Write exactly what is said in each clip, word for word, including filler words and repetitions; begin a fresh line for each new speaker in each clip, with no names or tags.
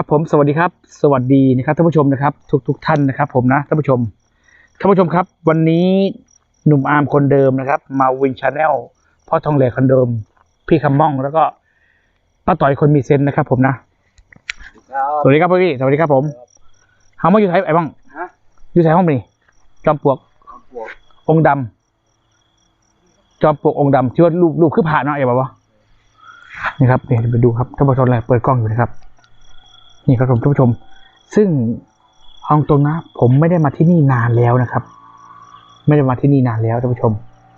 ผมสวัสดีครับสวัสดีนะครับท่านผู้ชมนะครับทุกทุกท่านนะครับผมนะท่านผู้ชมท่านผู้ชมครับวันนี้หนุ่มอาร์มคนเดิมนะครับมาวินชาแนลพ่อทองเหล็กคนเดิมพี่คำม่องแล้วก็ป้าต่อยคนมีเซนนะครับผมนะสวัสดีครับพี่สวัสดีครับผมเฮามาอยู่ไทยไอ้บ้างอยู่ไทยห้องนี้จอมปลวกองค์ดำจอมปลวกองค์ดำที่ว่ารูปรูปคือผ่านเนาะไอ้บ้าวะนี่ครับเนี่ยไปดูครับท่านผู้ชมอะไรเปิดกล้องอยู่นะครับนี่ครับผมท่านผู้ชมซึ่งห้องตรงนะผมไม่ได้มาที่นี่นานแล้วนะครับไม่ได้มาที่นี่นานแล้วท่านผู้ชม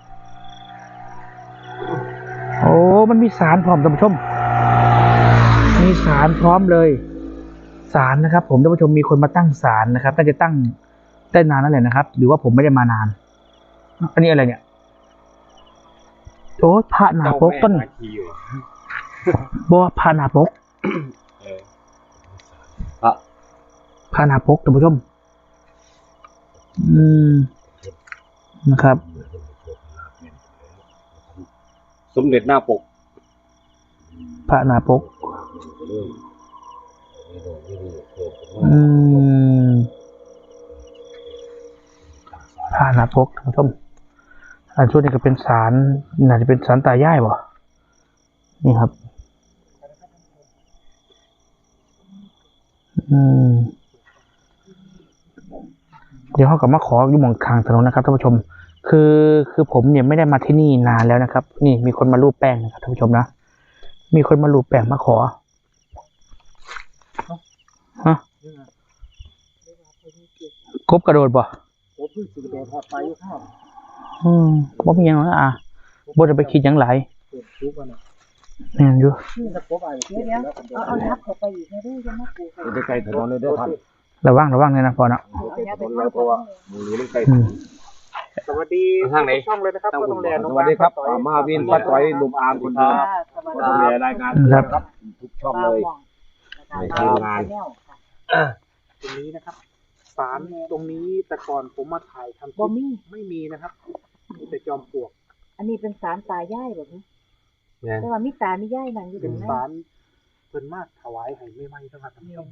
โอ้มันมีศาลพร้อมท่านผู้ชมมีศาลพร้อมเลยศาลนะครับผมท่านผู้ชมมีคนมาตั้งศาลนะครับน่าจะตั้งได้นานนั่นแหละนะครับหรือว่าผมไม่ได้มานานอันนี้อะไรเนี่ยโอ้พระหนาปกต้นบ่พระหนาปกพระหนาปกท่านผู้ชมอืมนะครับ
สมเด็จหน้าปก
พระหนาปกอืมพระหนาปกท่านผู้ชมอันช่วงนี้ก็เป็นศาลน่าจะเป็นศาลตายายบ่นี่ครับอืมเดี๋ยวเขากลับมาขออยู่หม่องทางถนนนะครับท่านผู้ชมคือคือผมเนี่ยไม่ได้มาที่นี่นานแล้วนะครับนี่มีคนมารูปแป้งนะครับท่านผู้ชมนะมีคนมารูปแป้งมาขอฮะกบกระโดดบ่อืมบ่มีหยังหรอกอ่ะบ่ได้ไปคิดหยังหลายแม่นอยู่
เอาเอายับเข้าไปอีกนะด้วยจะมาปลูก
จะไกลถนนเลยเด้อท่าน
ระวังระวังเลยนะพ่อเนาะ
เพราะว่ามือนี้ใกล้
สวัสดีทางไหนช่องเลยนะครับพ่อทองเหล็ก
สวัสดีครับมาวินป้าต่อยหนุ่มอาร์มคนเดิมพ่อทองเหล็กรายงานครับทุกช่องเลยในทีมงาน
ตรงนี้นะครับศาลตรงนี้แต่ก่อนผมมาถ่ายทำบ่มีไม่มีนะครับมีแต่จอมปลวกอันนี้เป็นศาลตายายแบบนี้แต่ว่ามีตามียายนั่งอยู่เป็นศาลเพิ่นมาถวายให้ไม่ไหม้ทั้งหมดทั้งมวล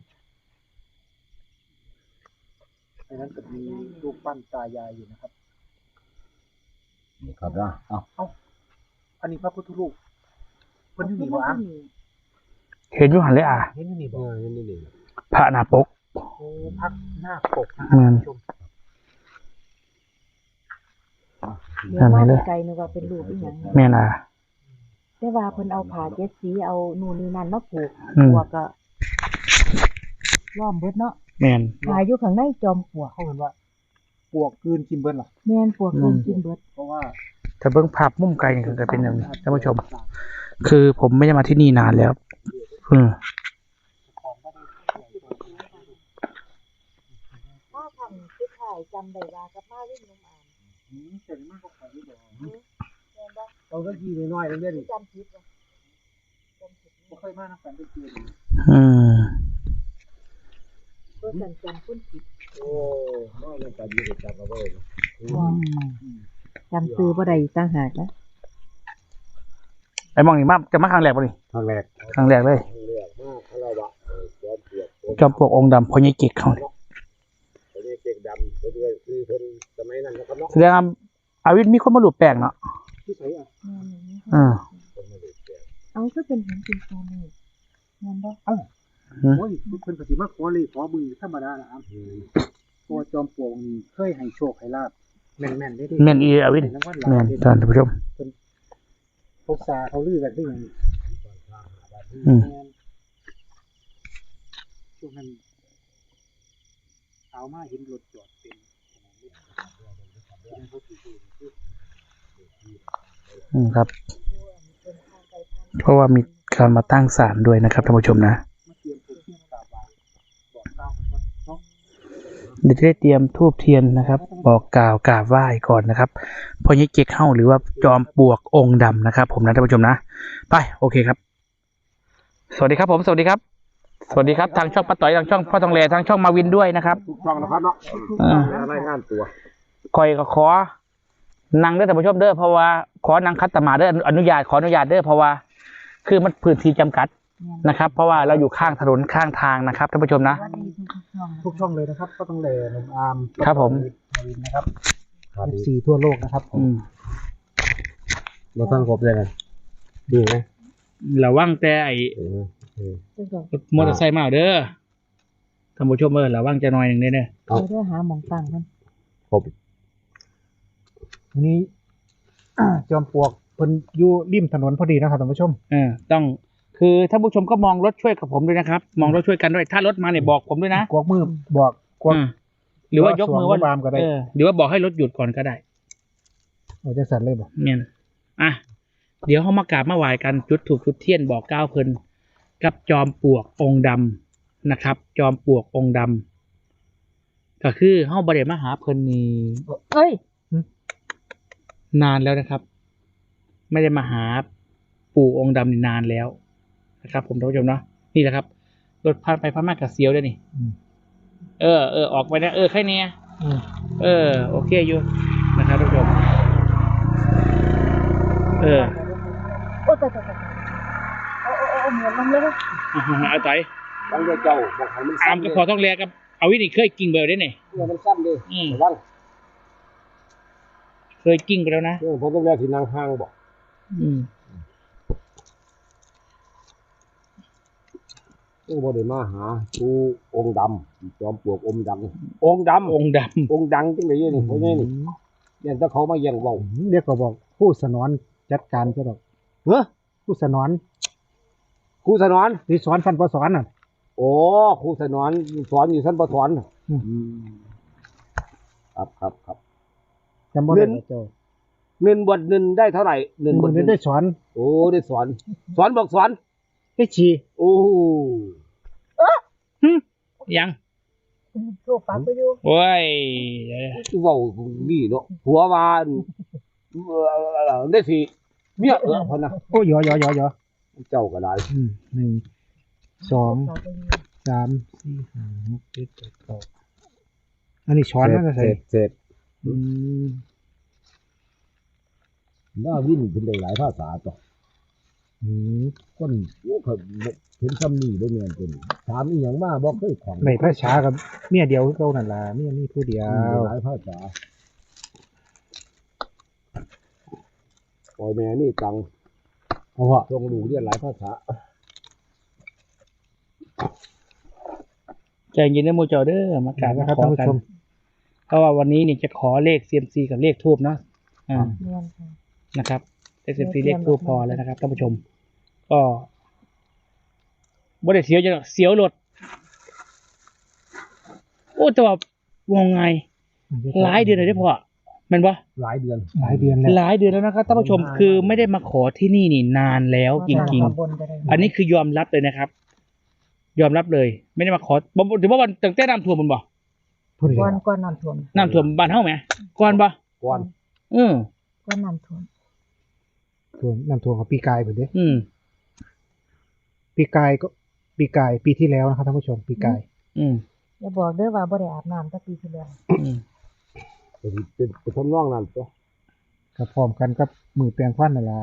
ในนั้นก็มีรูปปั้นตายายอยู่นะครับ
นี่ครับนะเอ้า
เอ้าอันนี้พระพุทธรูปเพิ่นอยู่นี่บ่อ่ะ
เห็นอยู่หันเลยอ่ะ
เห็นอยู่นี่บ่
เห็นนี่
พระหน้าปก
โอ้พระหน้าปกนะครับท่านผู้ชม
เดี๋ยวมอง
ไกลนึกว่าเป็นรูปอีหยัง
แม่นอ่ะ
แต่ว่าเพิ่นเอาผ้าเจ็ดสีเอานู่นนี่นั่นมาผูกปวกก็ล้อมเบิดเนาะ
แม่น
ผ้าอยู่ข้างในจอมปลวกเขาเห็นว่าปลวกกลืนกินเบิดเหรอแม่นปลวกกลืนกินเบิดเพราะว่า
ถ้าเบิ่งภาพมุมไกลนี่ก็เป็นอย่างนี้ท่านผู้ชมคือผมไม่ได้มาที่นี่นานแล้วอืม
ถ้าทำคือถ่ายจำได้ว่ากับมาวิ่งลงอ่านอืมเจ๋งมากก็ขายบ่เอาสักทีน้อยๆเรื่อยๆจำผิดบ่จำผิดบ่เคยมานำกันได้เจอ
อืม
ก็จำจำคุ้นผิด
โอ้น้อยมันจะอยู่จำเอาไว้
จำซื้อบ่ได้ต่างหากนะ
ไอ้มองนี่มาจะมาครั้งแรกบ่นี่
ครั้งแรก
ครั้งแรกเลยจอมปลวกองค์ดำพ่อใหญ่เก็กเขาเนี่ย
พ่อใหญ่เก็กดำเพิ่นเลยคือเพิ่นสมัยนั้นนะครับเนาะ
แสดงว่าอาวิทย์มีคนมารูปแป้งเนาะ
ที่ไสอ่ะ
อ่า
เอาก็เป็นเห็นเป็นตอนนี้งั้นบ่เอ้าโอ้ยเพิ่นก็สิมาขอเลยขอมือธรรมดาล่ะครับเพราะจอมปลวกนี่เคยให้โชคให้ลาภแม่นๆได้
แม่นอีอาวิทย์แม่นท่านผู้ชม
พวกซาเขาลือกันที่อย่าง
อืม
ช่วงนั้นเอามาเห็นรถจอดเป็น
อืมครับเพราะว่ามีการมาตั้งศาลด้วยนะครับท่านผู้ชมนะเดี๋ยวจะได้เตรียมธูปเทียนนะครับบอกกล่าวกราบไหว้ก่อนนะครับพ่อใหญ่เก็กเข้าหรือว่าจอมปลวกองค์ดำนะครับผมนะท่านผู้ชมนะไปโอเคครับสวัสดีครับผมสวัสดีครับสวัสดีครับทางช่องป้าต่อยทางช่องพ่อทองเหล็กทางช่องมาวินด้วยนะครับ
ทุกช่องนะครับเนาะรายงานตัว
คอยก็ขอนั่งเด้อท่านผู้ชมเด้อเพราะว่าขอนั่งคัตตมาเด้ออนุญาตขออนุญาตเด้อเพราะว่าคือมันพื้นที่จำกัดนะครับ เพราะว่าเราอยู่ข้างถนนข้างทางนะครับท่านผู้ชมนะ
ทุกช่องเลยนะครับก็ต้องแลหนุ่มอาร์ม
ครับผม
มาวินนะครับเอฟซีทั่วโลกนะครับผม
อืม
เราตั้งครบเลยนะดีไหม
ระวังแต่ไอ้
เออเออ
มอเตอร์ไซค์มาเอาเด้อท่านผู้ชมเออระวังจะหน่อยหนึ่งเด้อเด้อ
เอา
เด้อหาหมองตั้งมัน
ครบ
วันนี้ จอมปลวกเพิ่นอยู่ริมถนนพอดีนะครับท่านผู้ชม
เออต้องคือท่านผู้ชมก็มองรถช่วยกับผมด้วยนะครับ มองรถช่วยกันด้วย ถ้ารถมาเนี่ยบอกผมด้วยนะ
กวักมือบอกกวัก
อืมหรือว่ายกมือว่า
สวมมือบามก็ได้
เออหรือว่าบอกให้รถหยุดก่อนก็ได้
โอ้จะสั่นเลยบอก
เนี่ยอ่ะเดี๋ยวเขามากราบมาไหว้กันจุดถูกจุดเทียนบอกก้าวเพลินกับจอมปลวกองค์ดำนะครับ จอมปลวกองค์ดำก็คือเฮาบ่ได้มาหาเพลินนี่
เอ้ย
นานแล้วนะครับ ไม่ได้มาหาปู่องค์ดำนี่นานแล้วนะครับ ผมท่านผู้ชมเนาะนี่แหละครับรถผ่านไปผ่านมากับเสียวด้วยนี่
อืม
เออเออออกไปนะเออแค่เนี้ย
อืม
เออโอเคอยู่นะครับท่านผู้ชมเออ
โอ้ตายตายตายโอ้โอ้โอ้เหมือนมันเลย
เอาต่อย
ตั้งใจเจ้าบอกให้มัน
อามก็พอต้องแลกับเอาวินี่เคยกิ้งเบอร์ได้เนี่ย
เพื่อมันสั้นดิ
อืม
ระวัง
เคยกิ้งไปแล้วนะ
เพื่อผมต้องแรกที่นางห้างบอก
อืม
เออบ่ได้มาหาผู้องค์ดำจอมปลวกองค์ดำองค์ดำ
องค์ด
องค์ดังจังเลยนี่เพราะงี้นี่เนี่ยถ้าเขามาเยี่ยงเว้า
เรียกก็บอกผู้สนอนจัดการก็ดอก
เฮ้อ
ผู้สนอน
ครูสนอน
ที่สอนฟันปสอนน่ะ
โอ้ครูสนอนสอนอยู่ชั้นประถม
อืม
ครับครับครับ
จำบ่ได้
เรียน
ว่าเจ้า
เงินบวชเงินได้เท่าไหร่เงินบวช
เงิ
เงิ
น
น
ได้สอน
โอ้ได้สอน สอนบอกสอน
ได้ชี
โอ้
ำยัง
โชว์ปากไปอยู่
โอ้ย
เว้าดีเนาะผัวว่าเอ่อได้สิเมียเออพนนะ
โอ้ยอยอยอยอ
เจ้าก็ได้
อืมหนึ่งสอง
ปากไปอยู่
สามสี่ห้าหกเจ็ดแปดเก้าอันนี้ช้อนนั่นก็
เส
ใส่
ร็จเสร็จ
อืม
น่าวิ่งเป็นได้หลายภาษาต่อ
อืม
คนโอ้เขาเห็นคำนี้ได้เมียนเป็นถามอีหยังมาบอกเคยของ
ในภาษากับเมียเดียวคือเก่านั่นล่ะเมียมีผู้เดียว
หลายภาษาปล่อยแม่นี่ตัง
เพราะว่า
ทรงดูเรียนหลายภาษา
ใจเย็นนะโมเจอเด้อมากราบ
นะ
มา
ครับ
ขอ
ท่านผู้
กัน
ชม
เพราะว่าวันนี้นี่จะขอเลข ซี เอ็ม ซี กับเลขทูบเนาะอ่า
เรียนค่ะ
นะครับเลข ซี เอ็ม ซี เลขทูบพอแล้วนะครับท่านผู้ชม ก็บ่ได้เสียวจะเสียวรถโอ้แต่ว่าวงไงหลายเดือนเลยได้อพ่อแมันปะ
หลายเดือน
หลายเดือนแล้ว
หลายเดือนแล้วนะครับท่านผู้ชมคือไม่ได้มาขอที่นี่นี่นานแล้วจริง
บนก็ได้
ๆ อันนี้คือยอมรับเลยนะครับ ยอมรับเลย ไม่ได้มาขอบ่บ่ถือว่าวันตั้งแต่น้ำท่วมมันบ่
ผู้เดียว
ก้อนก้อนน้ำท่วม
น้ำท่วมบ้านเฮาไหมก่อนบ่
ก่อน
อืม
ก้อนน้ำท่วม
ท่วมน้ำท่วมกับปีกายเพิ่นเด้
อืม
ปีกายก็ปีกายปีที่แล้วนะครับท่านผู้ชมปีกาย
อืม
อย่าบอกเด้อว่าบ่ได้อาบน้ำตั้งปีที่แล้ว
อืม
เป็นเป็นเป็นทำนองนั้นตัว
ก็พร้อมกันกับมือแปลงควันนั่นล่ะ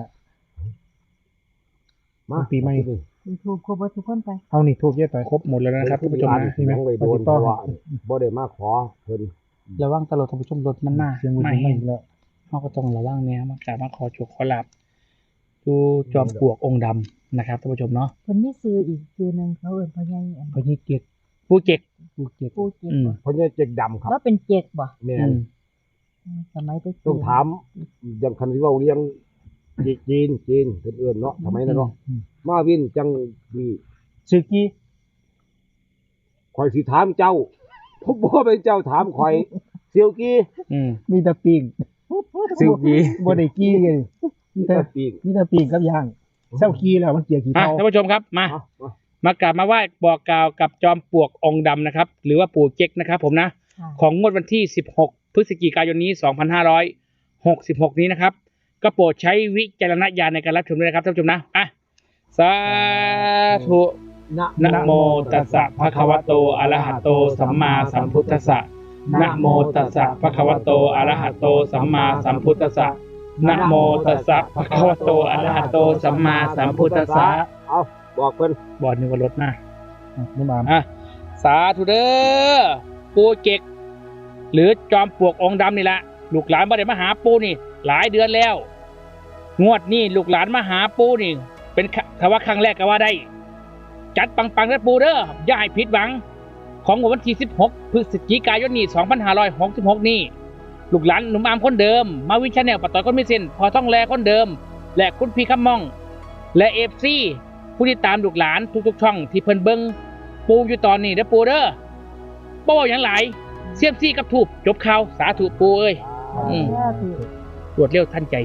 มา
ปีใหม่
ยูทูบครบเบิดทุกคนไป
เอานี่ทูบเยอะต่อย
ครบหมดแล้วนะครับท่านผู้ชม
ร้าน
นะ
ที่ยังไปโดนเพราะว่าบ่ได้มาขอเพิ่น
ระวังตลอดท่านผู้ชมรถมันมา
เสียงวิน
มา
ไม่
แห้ง
แล้ว
เขาก็ต้องระวังเนี่ยมากราบมาขอโชคขอลาบดูจอมปลวกองค์ดำนะครับท่านผู้ชมเนาะ
เพิ่นมีซื้ออีกซื้อหนึงเขาเอิ้นพ่อใหญ่อัน
พญิเกียรติ
ผู้เจ็ก
ผู้เกียรติ
ปูเจ็ก
อืม
เพราะเนี่ยเจ๊กดำครับ
แล้วเป็นเจ็กบ่
แม่
อื
น
ม
สมัยไป
ต้องถามอย่างคันที่ว่าเลี้ยงจีนจีนเพิ่นเอิ้นเนาะทำไมนะเนาะมาวินจังมี
ซึกี้
ข่อยสิถามเจ้าผมบ่เป็นเจ้าถามข่อยเซียวกี้
อืม
มีแต่ปิ้ง
ซึกี้
บ่ได้กี้เลยมีแต่
ปีก
มีแต่ปิ้งกับย่างเศร้ากี้แล้วมันเกลียขี้
อ่ะ
เถ้า
ท่านผู้ชมครับมา
เอาเอา
มากราบมาไหว้บอกกล่าวกับจอมปลวกองค์ดำนะครับ หรือว่าปู่เจ๊กนะครับ ผมนะ
ค่ะ
ของงวดวันที่สิบหกพฤศจิกายนนี้สองพันห้าร้อยหกสิบหกนี้นะครับ ก็โปรดใช้วิจารณญาณในการรับชมด้วยนะครับท่านผู้ชมนะอ่ะสาธุ
นะ
นะโมตัสสะภะคะวะโตอะระหะโตสัมมาสัมพุทธัสสะนะโมตัสสะภะคะวะโตอะระหะโตสัมมาสัมพุทธัสสะนะโมตัสสะภะคะวะโตอะระหะโตสัมมาสัมพุทธัสสะ
เอาบอกเพิ่น
บอดนึกว่ารถมานุ่มอามอ่ะสาธุเด้อปูเจกหรือจอมปลวกองค์ดำนี่แหละลูกหลานบ่ได้มาหาปูนี่ หลายเดือนแล้ว งวดนี้ลูกหลานมาหาปูนี่ เป็นคำว่าครั้งแรกก็ว่าได้ จัดปังๆนะปูเด้ออย่าให้ผิดหวัง ของวันที่สิบหกพฤศจิกายนนี้สองพันห้าร้อยหกสิบหกนี่ลูกหลานหนุ่มอามคนเดิมมาวินชาแนลปะต่อยคนไม่เส้นพอต้องแลคนเดิมและคุณพี่คำมองและเอฟซีผู้ที่ตามลูกหลานทุกๆช่องที่เพิ่นเบิ้งปูอยู่ตอนนี้เด้อปูเด้อบ่เว้าหยังหลายเสียมซี่กับถูกจบข่าวสาธุปูเอ้ยอืมรวดเร็วทันใจ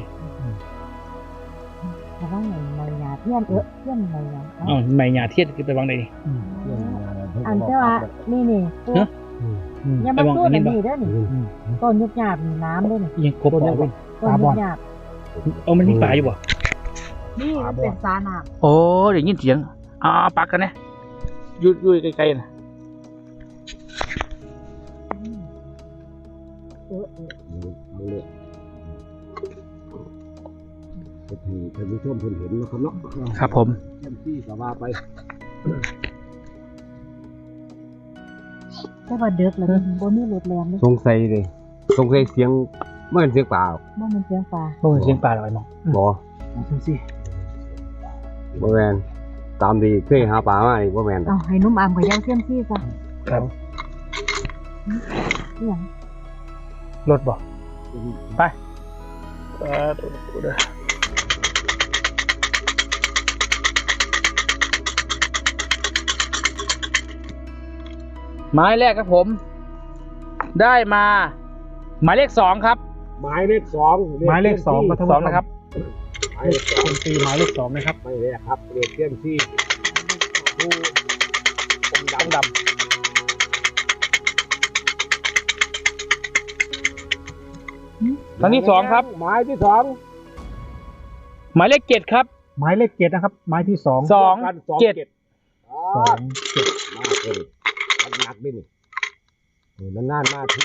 ระวังในในยาเทียนเออเทียนในยา
อ๋อไม่หยาเทียนคือไปวางใดนี่
อันแต่ว่านี่นี่อย่ามาสู้กันนี่เด้อนี่ต้นยุบหยาบนี่น้ำเด้อนี่
ยังครบบ่
ต้นยุบหยาบ
เอามันมีป่าอยู่บ่
นี่มันเป็นสาน้ำ
โอ้เดี๋ยวยินเสียงอ่าปักกันนะอยู่อยู่ไกลๆนะ
เออเออ
มือเลยท่านผู้ชมเพิ่นเห็นนะครับเนาะ
ครับผม
แค่ที่ก็ว่าไป
แต่ว่าเด็กแล้วบ่มีรถแรงเลย
สงสัยเลยสงสัยเสียงเมื่อเสียงเปล่า
บ่มันเสียงฟ้า
โอ้ยเสียงป่าลอยน้อง
บ่
เสียงซี่
บ่แม่นตามที่เคยหาปลามานี่บ่แม่น
เอาให้นุ่มอามกับยาวเทียมซี่ซะ
ครับ
เสียง
รถบ่ไปเออเด้อหมายแรกครับผม ได้มาหมายเลขสองครับ
หมายเลขสอง
หมายเลขสองสองนะครับ
หมายเลขสอง
ตีหมายเลขสองนะครับ
ไม่เลขครับเลขเทียมที่ผู้องค์ดำดำ
ครั้งที่สองครับ
หมายที่สอง
หมายเลขเจ็ดครับ
หมายเลขเจ็ดนะครับหมายที่สอง
สองเจ็ด
สองเจ็ด
มากเลยหนักด้วยนี่นี่นานๆมาที่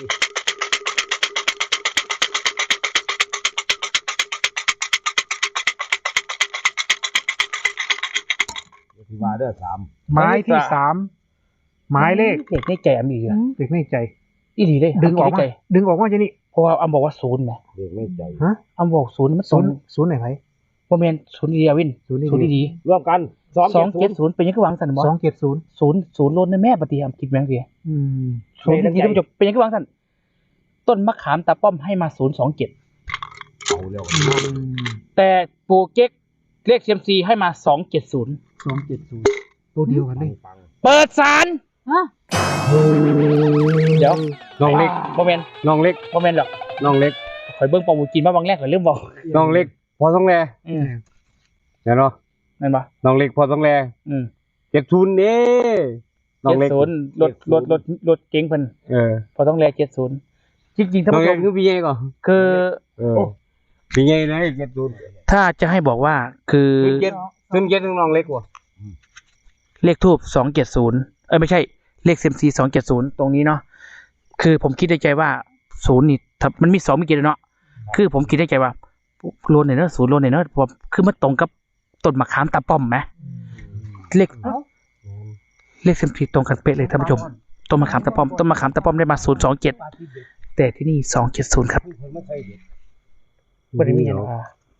ที่ว่าเด้อสาม
หมายที่สามหมายเลข
เด็กในใจอันนี้เหรอ
เด็กในใจ
อีหลีเลย
ดึงออก
ใน
มา
ใจ
ดึงออกมาจะนี่
เพราะว่าอัมบอกว่าศูนย์ไหม
เด็กไม่ใจ
ฮะ
อัมบอกศูนย์มัน
ศู
ศู
น
น
ย์
ย์
ศูนย์ไหนไผ
โมเมนศูนย์ดีวิน
ศูนย์ดี
ศูนย์ดี
ร่วมกันสอง
สอง
เจ็
เจ็
ด
ด
ศู
ศู
นย์
นย์เป็นยังก็วางสันบอ
สองเจ็ดศูนย์
ศูนย์ศูนย์ล้นในแม่ปฏิอัมคิดแมงเสีย
อืม
ศูนย์ที่ท่านผู้ชมเป็นยังก็วางสันต้นมะขามตาป้อมให้มาศูนย์สองเจ็ด
เอาเร็ว
แต่ปูเก๊กเลขเซียมซีให้มาสองเจ็ดศูนย์
สองเจ็ดศูนย์ตัวเดียวกันเลย
ฟัง
เปิดศาล
ฮะ
เดี๋ยว
น้องเล็ก
โมเมน
น้องเล็ก
โมเมนหรอก
น้องเล็ก
ข่อยเบิ้งปอมูจีนมาบางแรกข่อยเริ่มบอก
น้องเล็ก พอต้องแล
อืม
เดี๋ยวเนาะ
นั่นปะ
น้องเล็กพอต้องแล
อืม
เจ็ดศูนย์เด้น้อง
เจ็ด
เล็ก
ศูนย์รถรถรถรถเก๋งเพิ่น
เออ
พอต้องแลเจ็ดศูนย์จริงๆท่าน
น้อง
ผู้ช
เล็ก
ม
คือพี่ใหญ่ก่อน
คือ
เออพี่ใหญ่นะเจ็ดศูนย์
ถ้าจะให้บอกว่าคือ
ซึ่งเจ็ดซึ่งเจ็ดน้องเล็กกว่า
เลขทูบสองเจ็ดศูนย์เอ้ยไม่ใช่เลขเซมซีสองเจ็ดศูนย์ตรงนี้เนาะคือผมคิดในใจว่าศูนย์นี่ถ้ามันมีสองมีเจ็ดเนาะคือผมคิดในใจว่าโลนเนี่ยเนอะศูนย์โลนเนี่ยเนอะผมคือมันตรงกับต้นมะขามตาป้อมไหมเลขเลขเซมซีตรงกันเป๊ะเลยท่านผู้ชมต้นมะขามตาป้อมต้นมะขามตาป้อมได้มาศูนย์สองเจ็ดแต่ที่นี่สองเจ็ดศูนย์ครับบริมีอย่างนะ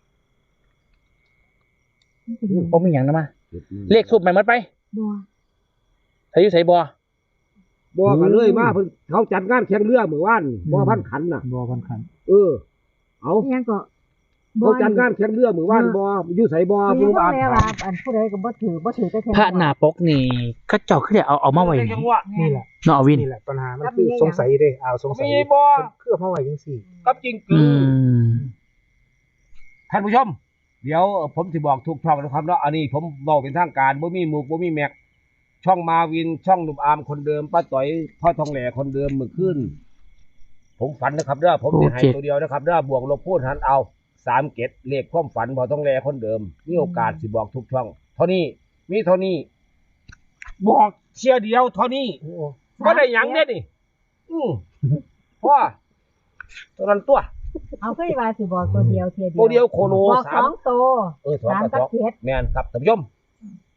ผมมีอย่างนะมาเลขทูบใหม่หมดไป
บัว
ใส่อยู่ใส่บัว
บอกกันเลยมาเพิ่นเขาจัดงานแข่งเรือเมื่อวานบ่พันขันน่ะ
บัวพันขัน
เออ เอา
อิหยังก็
เขาจัดงานแข่งเรือเมื่อวานบ่อยู่ไสบ่
บ่
ผู้
รู้
บ้าน
แล้วว่าอันผู้ใดก็บ่ถือบ่ถือแต่แค่
พระหนาปกนี่ก็เจ้าขึ้นเอาเอามาไว้นี่
นี่แหละ
เนาะเอาวิน
นี่แหละปัญหามันคือสงสัยเด้เอาสงสัย
มีบ่
เพื่อมาไว้ยังสี่
กับจริง
อื
คือ
ม
ท่านผู้ชม เดี๋ยวผมสิบอกทุกช่องนะครับเนาะอันนี้ผมเว้าเป็นทางการบ่มีหมูกบ่มีแม็กช่องมาวินช่องหนุ่มอาร์มคนเดิมป้าต่อยพ่อทองแหล่คนเดิมเมื่อคืนผมฝันนะครับเด้อผมสิให้ตัวเดียวนะครับเด้อบวกลบคูณหารเอาสามเกตเลขความฝันพ่อทองแหล่คนเดิมมีโอกาสสิบอกทุกช่องเท่านี้มีเท่านี้บอกเชียร์เดียวเท่านี้บ่ได้หยังเด้นี่อือพ่อตัวนั้นตัว
เอาเคยว่าสิบอกตัวเดียวเทียเดียว
ตัวเดียวโคโล
บอก
สา
ส
ม
องตัว
เออสอง
สาม
กับ
กับ
สอง
เจ็ด
แม่นครับท่านผู้ชม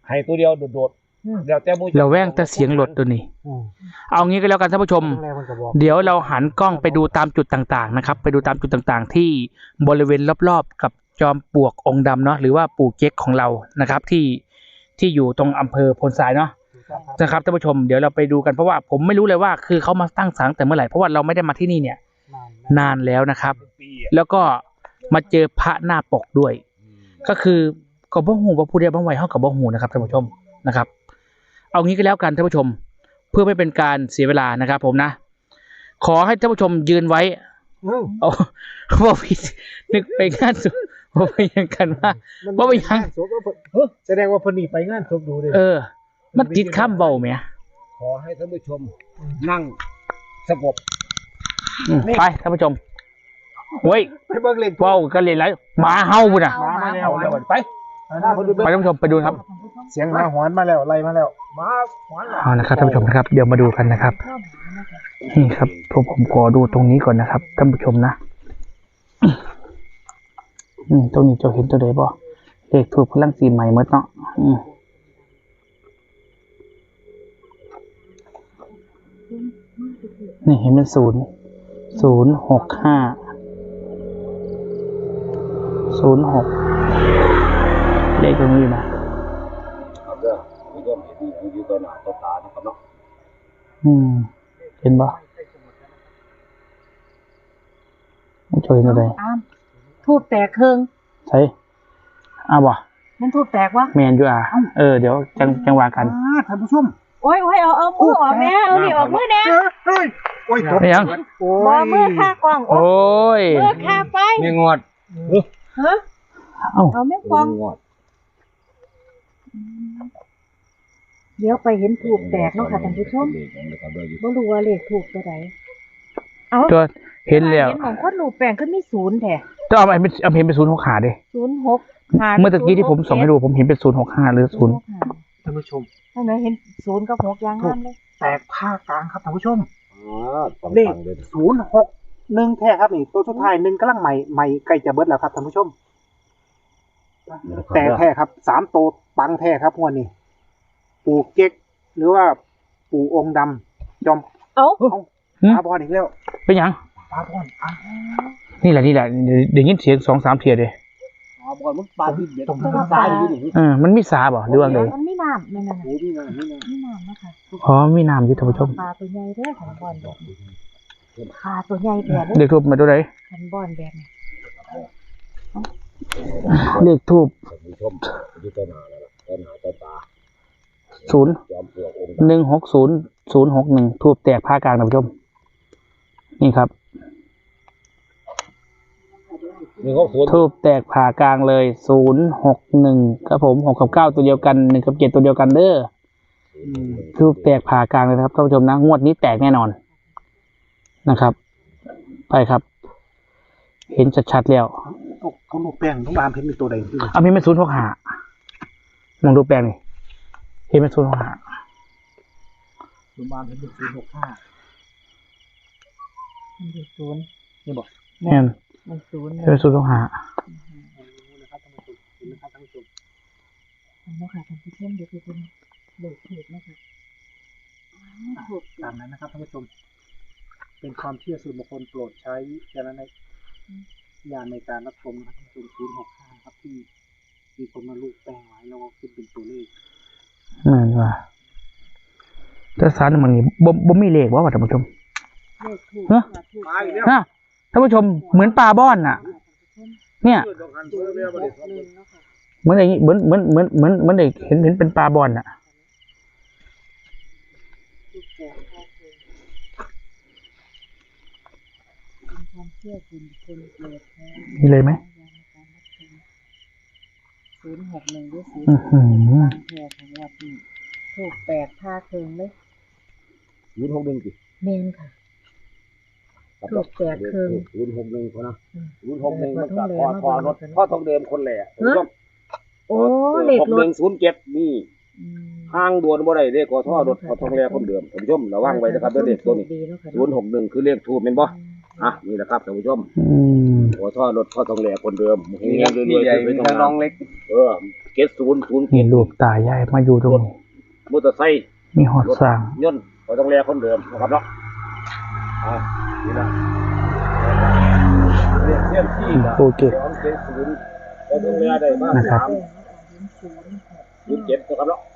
ให้ตัวเดียวโดดๆเดี๋ยวแต่มู
เราแว่งแต่เสียงรถตัวนี้
อืม
เอางี้ก็แล้วกันท่านผู้ชม
แรกมันก็บอก
เดี๋ยวเราหันกล้องไปดูตามจุดต่างๆนะครับ ไปดูตามจุดต่างๆ ที่บริเวณรอบๆกับจอมปลวกองค์ดำเนาะหรือว่าปู่เก๊กของเรานะครับ ที่ที่อยู่ตรงอำเภอโพนทรายเนาะนะครับท่านผู้ชมเดี๋ยวเราไปดูกันเพราะว่าผมไม่รู้เลยว่าคือเขามาตั้งศาลแต่เมื่อไหร่เพราะว่าเราไม่ได้มาที่นี่เนี่ย
นานแล้ว
นานแล้วนะครับ
ปี
แล้วก็มาเจอพระหน้าปกด้วย ก็คือก็บ่ฮู้ว่าผู้ใดบ่ไหวเฮาก็บ่ฮู้นะครับท่านผู้ชมนะครับ เอางี้ก็แล้วกันท่านผู้ชม เพื่อไม่เป็นการเสียเวลานะครับผมนะ ขอให้ท่านผู้ชมยืนไว้
อืม
เอาว่าผิดนึกไปงานศพว่าไปยังกันว่า ว่าไปยัง
ศพว่าเพิ่นเฮ้ยแสดงว่าเพิ่นนี่ไปงานศพดูเด้
เออ มันติดข้ามเบาไหม
ขอให้ท่านผู้ชมนั่งสงบ
อืมไปท่านผู้ชมเฮ้ย
ไปเบิ่งเลข
เว้ากันเลยไรหมาเฮาบุ่นอ่ะ
มามาแล้ว
เอาแล้วไป
ไปท่านผู้ชมไปดูครับ
เสียงหมาหอนมาแล้วไล่มาแล้ว
มาขวาน
เอานะครับท่านผู้ชมนะครับ เดี๋ยวมาดูกันนะครับ นี่ครับผมผมขอดูตรงนี้ก่อนนะครับท่านผู้ชมนะอืมตรงนี้เจะเห็นตัวใดบ่เลขถูกพลังสีใหม่เมื่อเนาะอืมนี่เห็นเป็นศูนย์ศูนย์หกห้าศูนย์หกเลขตรงนี้อยู่นะครับ
เด้อผู้ชมเห็นอยู่ต่อหน้าต่อตานะครับเนาะ
อืมเห็นบ่ไม่ช่วยอะไร
อ้ามทูบแตกเครื่อง
ใช่อ้าวบ่
มันทูบแตกวะ
แมนอยู่อ่ะเออเดี๋ยวจังจังว่ากัน
อ่าท่านผู้ชม
โอ้ยโอ้ยเอาเอามือออกแม่เอานี่ออกมือแน่
เฮ้ยโอ้ยตก
ไม่ยัง
โอ้
บ่มือค่ากล้องโอ้
โอ้ย
มือค่าไฟ
มีงวด
ฮะ
เอ้า
เอาแม่กล้อง
มีงวด
เดี๋ยวไปเห็นทูบแตกเนาะค่ะท่านผู้ชมบ่รู้ว่าเลขถูกตัวใดเอา
ตัวเห็นแล้ว
เห็นของคนรูปแปลงขึ้นมีศูนย์แท้
ต้องเอาไปเอาเห็นเป็นศูนย์หกขาดิ
ศูนย์หกหา
เมื่อตะกี้ที่ผมส่งให้ดูผมเห็นเป็นศูนย์หกห้าหรือศูนย์
ท่านผู้ชม
ใช่ไหมเห็นศูนย์กับหกอยางงามเลย
แตกผ้ากลางครับท่านผู้ชม
อ๋อต้อง
เลข
ฟังเลย
ศูนย์หกหนึ่งแท้ครับนี่ตัวสุดท้ายหนึ่งกำลังใหม่ใหม่ใกล้จะเบิดแล้วครับท่านผู้ชม แต่แท้ครับสามตัวปังแท้ครับงวดนี้ปู่เก๊กหรือว่าปู่องค์ดำจอม
เอ้า
เอาปลาบอลอีกแล้ว
เป็นหยัง
ปลาบอลอ่ะ
นี่แหละนี่แหละเดี๋ยวยินเสียงสองสามเทียเลย
อ๋อบอลมันปลาที่เด็ด
ตรง
ต
นั้
รง
น
ซ้ายอยู่นี่
เออมันมีสาบ่หรือว่าไง
มันไม่น้ำนั่นน่ะ
โอ้นี่นะนี่นะ
ไม่น้ำนะคะ
อ๋อมีน้ำอยู่ท่านผู้ชม
ปลาตัวใหญ่เด้อขันบอลแบบนี้ปลาตัวใหญ่แบบ
เล
นี้
ขทูบมาตัวไหน
ขันบอลแบบนี้
เลขทูบ
ท่านผู้ชมอยู่ต่อหน้าแล้วล่ะต่อหน้าต่อตา
ศูนย์
จอมปลวกองค์
หนึ่งหกศูนย์ศูนย์หกหนึ่งทูบแตกผ้ากลางท่านผู้ชม นี่ครับ
นี่เขาสวน
ทูบแตกผ่ากลางเลยศูนย์หกหนึ่งครับผมหกกับเก้าตัวเดียวกันหนึ่งกับเจ็ดตัวเดียวกันเด้อทูบแตกผ่ากลางเลยนะครับท่านผู้ชมนะงวดนี้แตกแน่นอนนะครับ ไปครับ เห็นชัดๆแล้ว
เขาลูกแป้งต้องบามเห็นเป็นตัวใดที่
เอาพี่เป็นศูนย์หกหามองดูแปลงนี่เห็นเป็นศูนย์หกหา
ลูกบามเห็นเป็นศูนย์หกห้า
มันอยู่ศูนย์
นี่บอก
แม่น
มันศูนย์
เห็นเป็นศูนย์หกหา
นะครับท่านผู้ชมเห็นไหมครับท่านผู้ชม
อันนี้ค่ะท่านผู้ชมเดี๋ยวคือเป็นเลขถูกนะคะถูก
ตามนั้นนะครับท่านผู้ชม เป็นความเชื่อส่วนบุคคลโปรดใช้วิจารณญาณในการรับชมนะครับท่านผู้ชมศูนย์หกห้าครับที่มีคนมาลูกแป้งไว้แล้วก็ขึ้นเป็นตัวเลข
แม่นว่าแต่สารมันนี่บ่บ่มีเลขว่าว่าท่านผู้ชม
เลขถูก
ฮะ
ถูก
มาอีกแล้ว
ฮะท่านผู้ชมเหมือนปลาบ้อนน่ะ เนี่ย
เพื่อนต้องการช่วยเรียกว่าเด็ก
หนึ่งเนาะค่ะ
เหมือนอย่างนี้เหมือนเหมือนเหมือนเหมือนเหมือนเด็กเห็นเห็นเป็นปลาบอลน่ะ
ถูกแก่ข้าวเองเป็นความเชื่อส่วนบุคคลโปรดใช้
มีเลยไหม
ศูนย์หกหนึ่งหรือศูน
อื้อ
ย์
หือ
บางแพรของวัดนี่ถูกแปดผ้าเคิงเลย
ศูนย์หกหนึ่งสิ
เมนค่ะ ถูกแปดเครื่อง
ศูนย์หกหนึ่งคนนะ
อืม
ศูนย์หกหนึ่งมัน
แต่
กับ
พอ
พอ
ทองแดง
พอรถพ่อทองเดิมคนแหละถูกต้อง
โอ้เลข
หก
ร
หนึ่
ถ
งศูนย์เจ็ดนี่
อืม
ห้างด่วนบ่ได้เลขกอท่อรถพอทองแดงคนเดิมท่านผู้ชมระวังไว้นะครับเด้อเลขตัวนี้
ดีเนาะค่ะ
ศูนย์หกหนึ่งคือเลขทูบเป็นบ่อ่ะนี่แหละครับท่านผู้ชม
อืม
กอท่อรถพ่อทองแดงคนเดิมเฮงๆรวยๆ
ใหญ่
ไป
มี
ท
ทั้งน้องเล็ก
เออกตศูนย์ศูนย์
มีรูปตายายมาอยู่ตรงนี้
มอเตอร์ไซค์
มีหอดสร้าง
ยนต์พอต้องแลคนเดิมนะครับเนาะอ่านี่นะเรียกเส้นที่นะ
โอเค
สองเจ็ดศูนย์พอต้องแลได้มา
นะครับ
สามศูนย์เจ็ดนะครับเนาะ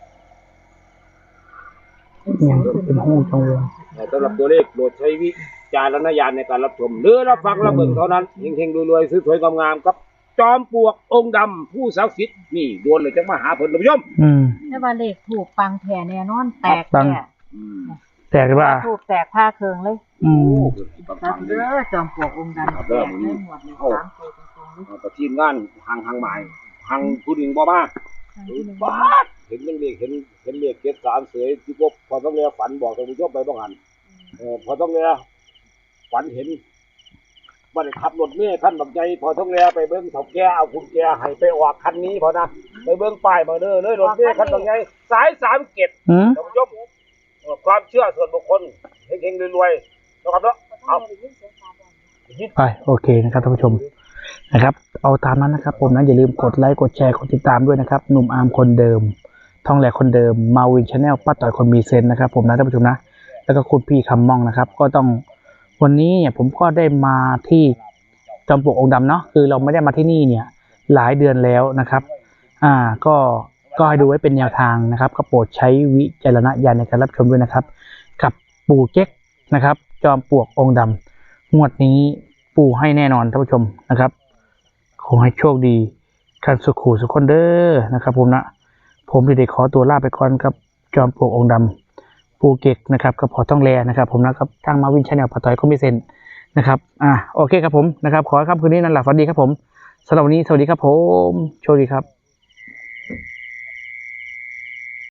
ยังเป็นห้องจังเลย
สำหรับตัวเลขโปรดใช้วิจารณญาณในการรับชมหรือรับฟังรับเบิ่งเท่านั้นเฮงๆรวยๆสวยๆงามๆครับจอมปลวกองค์ดำผู้ศักดิ์สิทธิ์นี่โดนเลยจังมาหาผลท่านผู้ชม
อืม
แต่ว่าเลขถูกปังแท้แน่นอนแตก
ปัง
แท้
แต่ว่า
ถูกแตกผ้าเคืองเลย
อืม
ครับเด้อจอมปลวกองค์ดำแตกเลยหมดเลยสามตัวตรงๆเลย
ประทีมงานหางหางหมายหางผู้หญิงบ่มา
ทางที่หนึ่ง
บ้าดเห็นเรื่องเลขเห็นเห็นเลขเจ็ดสามเสยที่พบพอต้องเรียฝันบอกท่านผู้ชมไปบ้างหันเออพอต้องเรียฝันเห็นบัดนี้ขับรถเมื่อขั้นบักใจพอต้องเรียไปเบิ้งถกแกเอาคุณแกให้ไปออกคันนี้พอนะไปเบิ้งป้ายมาเด้อเลยรถเมื่อขั้นบักใจสายสามเกต
อืม
ท่านผู้ชมเออความเชื่อส่วนบุคคลเฮงๆรวยๆนะครับเนาะเอา
ไปโอเคนะครับท่านผู้ชมนะครับเอาตามนั้นนะครับผมนะอย่าลืมกดไลค์กดแชร์กดติดตามด้วยนะครับหนุ่มอาร์มคนเดิมทองแหลกคนเดิมมาวินชาแนลป้าต่อยคนมีเซนนะครับผมนะท่านผู้ชมนะแล้วก็คุณพี่คำมองนะครับก็ต้องวันนี้เนี่ยผมก็ได้มาที่จอมปลวกองค์ดำเนาะคือเราไม่ได้มาที่นี่เนี่ยหลายเดือนแล้วนะครับอ่าก็ก็ให้ดูไว้เป็นแนวทางนะครับก็โปรดใช้วิจารณญาณในการรับชมด้วยนะครับกับปู่เก๊กนะครับจอมปลวกองค์ดำงวดนี้ปู่ให้แน่นอนท่านผู้ชมนะครับขอให้โชคดีกันสุขูสุขคนเด้อนะครับผมนะผมเด็กๆขอตัวลาไปก่อนครับจอมปลวกองค์ดำปูเก็กนะครับกับพอต้องแลนะครับผมนะครับทางมาวินชาแนลพอต่อยก็ไม่เซ็นนะครับอ่าโอเคครับผมนะครับขอให้ค่ำคืนนี้นั่นแหละฝันดีครับผมสำหรับวันนี้สวัสดีครับผมโชคดีครับ